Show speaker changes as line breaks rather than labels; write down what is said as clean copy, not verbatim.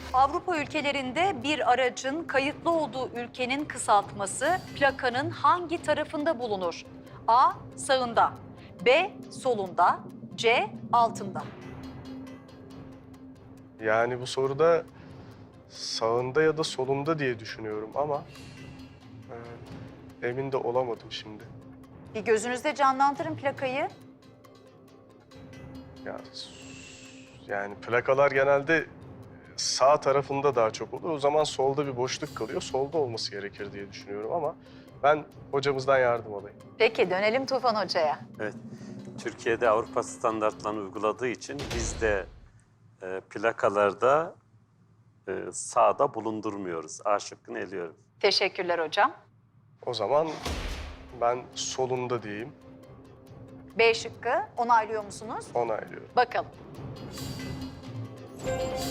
Avrupa ülkelerinde bir aracın kayıtlı olduğu ülkenin kısaltması plakanın hangi tarafında bulunur? A. Sağında, B. Solunda, C. Altında.
Yani bu soruda sağında ya da solunda diye düşünüyorum ama emin de olamadım şimdi.
Bir gözünüzde canlandırın plakayı.
Ya, yani plakalar genelde sağ tarafında daha çok oluyor. O zaman solda bir boşluk kalıyor. Solda olması gerekir diye düşünüyorum ama ben hocamızdan yardım alayım.
Peki dönelim Tufan Hoca'ya.
Evet, Türkiye'de Avrupa standartlarını uyguladığı için biz de plakalarda sağda bulundurmuyoruz. A şıkkını eliyorum.
Teşekkürler hocam.
O zaman ben solunda diyeyim.
B şıkkı onaylıyor musunuz?
Onaylıyorum.
Bakalım.